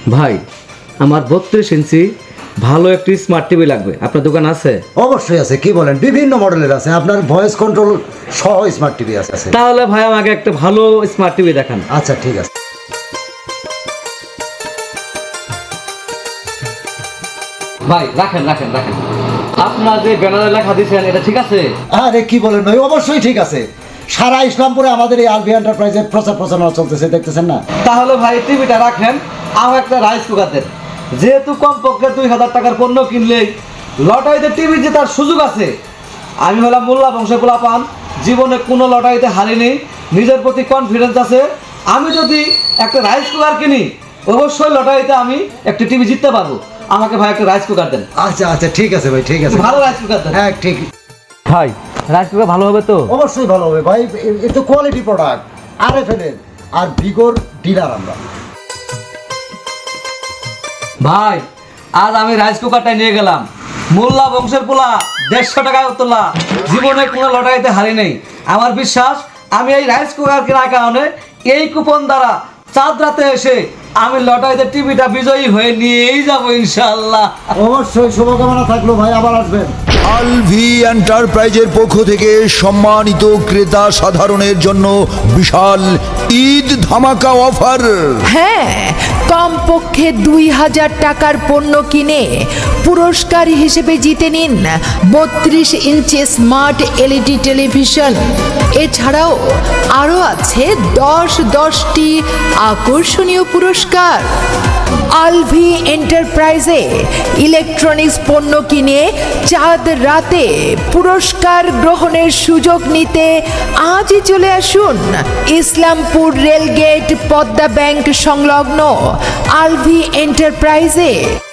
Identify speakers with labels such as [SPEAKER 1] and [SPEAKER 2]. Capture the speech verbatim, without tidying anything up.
[SPEAKER 1] ভাই আমার বত্রিশ ইঞ্চি ভালো একটি স্মার্ট টিভি লাগবে, আপনার দোকান আছে?
[SPEAKER 2] অবশ্যই আছে, কি বলেন, বিভিন্ন মডেলের আছে, আপনার ভয়েস কন্ট্রোল সহ স্মার্ট টিভি আছে।
[SPEAKER 1] তাহলে ভাই আমাকে একটা ভালো স্মার্ট টিভি দেখান।
[SPEAKER 2] আচ্ছা ঠিক আছে।
[SPEAKER 1] ভাই রাখেন রাখেন রাখেন, আপনার যে ব্যানারে লেখা দিয়েছেন এটা ঠিক আছে?
[SPEAKER 2] আরে কি বলেন ভাই, অবশ্যই ঠিক আছে। সারা ইসলামপুরে আমাদের এই আলভি এন্টারপ্রাইজের প্রচার প্রচারণা চলতেছে, দেখতেছেন না?
[SPEAKER 1] তাহলে ভাই টিভিটা রাখেন, আমার একটা রাইস কুকার দেন। যেহেতু কমপক্ষে দুই হাজার টাকার পণ্য কিনলেই লটারিতে টিভি জেতার সুযোগ আছে। আমি হলাম মোল্লা বংশের পোলাপান, জীবনে কোনো লটারিতে হারিনি, নিজের প্রতি কনফিডেন্স আছে। আমি যদি একটা রাইস কুকার কিনি অবশ্যই লটারিতে আমি একটা টিভি জিততে পারবো। আমাকে ভাই একটা রাইস কুকার দেন।
[SPEAKER 2] আচ্ছা আচ্ছা ঠিক আছে ভাই, ঠিক আছে,
[SPEAKER 1] ভালো রাইস কুকার দেন।
[SPEAKER 2] হ্যাঁ ঠিক।
[SPEAKER 1] ভাই রাইস কুকার ভালো হবে তো?
[SPEAKER 2] অবশ্যই ভালো হবে ভাই, এ তো quality product, R F L এর আর ভিগোর ডিলার আমরা।
[SPEAKER 1] ভাই আজ আমি রাইস কুকারটাই নিয়ে গেলাম, মোল্লা বংশের পোলা, দেড়শো টাকা তোলা, জীবনে কোনো লটারিতে হারি নেই। আমার বিশ্বাস আমি এই রাইস কুকার কেনার কারণে এই কুপন দ্বারা চাঁদ রাতে এসে আমি লটারিতে টিভিটা বিজয়ী হয়ে নিয়েই যাবো ইনশাল্লাহ।
[SPEAKER 2] অবশ্যই শুভকামনা থাকলো ভাই, আবার আসবেন।
[SPEAKER 3] আলভি এন্টারপ্রাইজের পক্ষ থেকে সম্মানিত ক্রেতা সাধারণের জন্য বিশাল ঈদ ধামাকা অফার।
[SPEAKER 4] হ্যাঁ, কমপক্ষে দুই হাজার টাকার পণ্য কিনে পুরস্কার হিসেবে জিতে নিন বত্রিশ ইঞ্চি স্মার্ট এলইডি টেলিভিশন। এছাড়াও আরও আছে দশ দশটি আকর্ষণীয় পুরস্কার। আলভি এন্টারপ্রাইজে ইলেকট্রনিক্স পণ্য কিনে চাঁদ রাতে পুরস্কার গ্রহণের সুযোগ নিতে আজই চলে আসুন ইসলামপুর রেলগেট পদ্মা ব্যাংক সংলগ্ন আলভি এন্টারপ্রাইজে।